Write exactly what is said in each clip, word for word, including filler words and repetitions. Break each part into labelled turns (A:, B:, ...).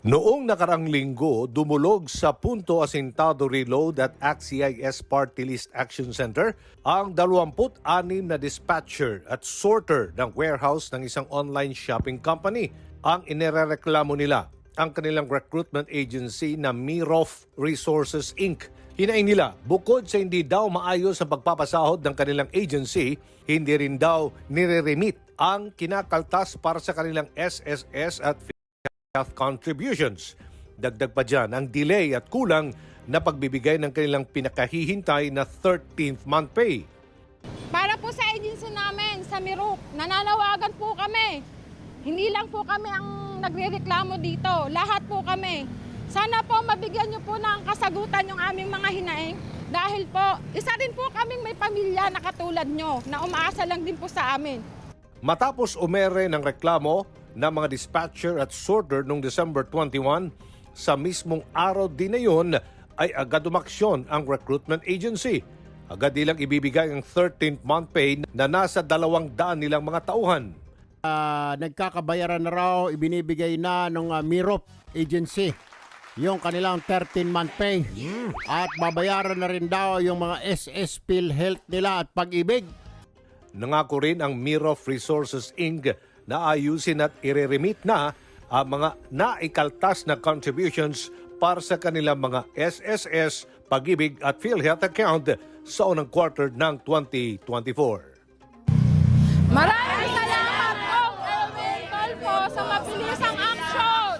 A: Noong nakarang linggo, dumulog sa Punto Asintado Reload at A C C I S Party List Action Center ang dalawampu't anim na dispatcher at sorter ng warehouse ng isang online shopping company. Ang inirereklamo nila ang kanilang recruitment agency na Mirof Resources Incorporated. Hinaing nila, bukod sa hindi daw maayos ang pagpapasahod ng kanilang agency, hindi rin daw nire-remit ang kinakaltas para sa kanilang S S S at health contributions. Dagdag pa dyan ang delay at kulang na pagbibigay ng kanilang pinakahihintay na thirteenth month pay.
B: Para po sa agency namin, sa Mirof, nananawagan po kami. Hindi lang po kami ang nagrereklamo dito, lahat po kami. Sana po mabigyan niyo po ng kasagutan yung aming mga hinaing dahil po isa rin po kaming may pamilya na katulad nyo na umaasa lang din po sa amin.
A: Matapos umere ng reklamo ng mga dispatcher at sorter noong December twenty-first, sa mismong araw din na yun ay agad umaksyon ang recruitment agency. Agad nilang ibibigay ang thirteenth month pay na nasa dalawang daan nilang mga tauhan.
C: Uh, nagkakabayaran na raw, ibinibigay na ng uh, Mirof agency yung kanilang thirteen month pay. Mm. At babayaran na rin daw yung mga S S PhilHealth nila at Pag-ibig.
A: Nangako rin ang Mirof Resources Incorporated na ayusin at ireremit na ang mga naikaltas na contributions para sa kanilang mga S S S, Pag-ibig at PhilHealth account sa unang quarter ng twenty twenty-four.
B: Maraming salamat po, Elvin Tolpo, sa mabilisang action!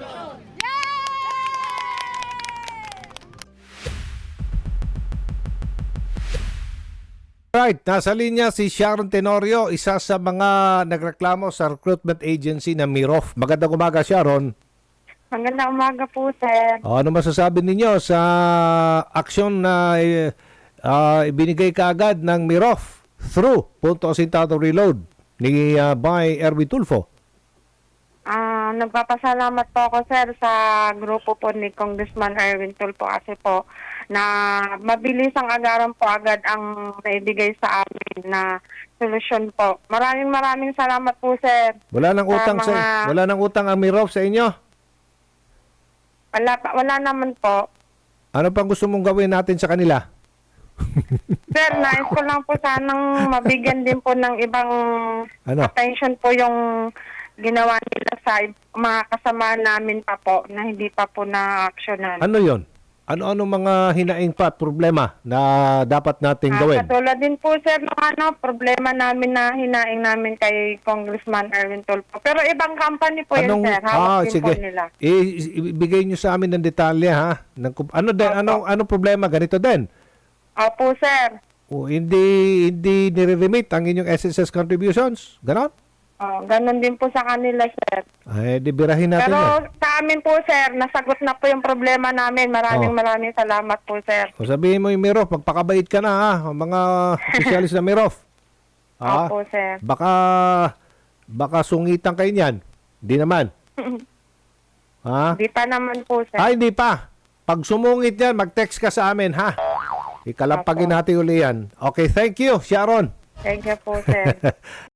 A: Right, nasa linya si Sharon Tenorio, isa sa mga nagreklamo sa recruitment agency na Mirof. Magandang umaga, Sharon.
D: Magandang umaga po, sir.
A: O, ano masasabi ninyo sa aksyon na uh, ibinigay kaagad ng Mirof through Punto Asintado Reload ni uh, Bay Erwin Tulfo?
D: Ah, nagpapasalamat po ako, sir, sa grupo po ni Congressman Erwin Tulfo kasi po na mabilis ang agaran po agad ang naibigay sa amin na solusyon po. Maraming maraming salamat po, sir.
A: Wala nang utang sa,
D: mga...
A: sa wala nang utang ang Mirof sa inyo?
D: Wala, wala naman po.
A: Ano pang gusto mong gawin natin sa kanila?
D: Sir, nais ko lang po sanang mabigyan din po ng ibang
A: Ano?
D: attention po yung ginawa nila sa mga kasama namin pa po na hindi pa po na-actionan.
A: Ano yon? Ano-ano mga hinaing pa at problema na dapat natin
D: Ah,
A: gawin?
D: katulad din po, sir, ng ano, problema namin na hinaing namin kay Congressman Erwin Tulfo. Pero ibang company po yun, sir. Hawak
A: ah,
D: din
A: sige.
D: po nila.
A: I- ibigay niyo sa amin ng detalye, ha? Ng, kung- ano din,
D: Opo.
A: ano ano problema ganito din?
D: Opo, sir.
A: O hindi hindi nire-remit ang inyong S S S contributions? Ganon?
D: Oh, ganun din po sa kanila, sir.
A: Ay, di birahin natin
D: Pero
A: yan.
D: sa amin po, sir, nasagot na po yung problema namin. Maraming
A: Oh.
D: maraming salamat po, sir.
A: O sabihin mo yung Mirof, magpakabait ka na, ha? Ang mga opisyalis na Mirof. Ha?
D: Opo, sir.
A: Baka baka sungitan kayo niyan. Di naman. Ha?
D: Di pa naman po, sir.
A: Ay, hindi pa. Pag sumungit yan, mag-text ka sa amin, ha? Ikalampagin
D: Opo.
A: natin uli yan. Okay, thank you, Sharon.
D: Thank you po, sir.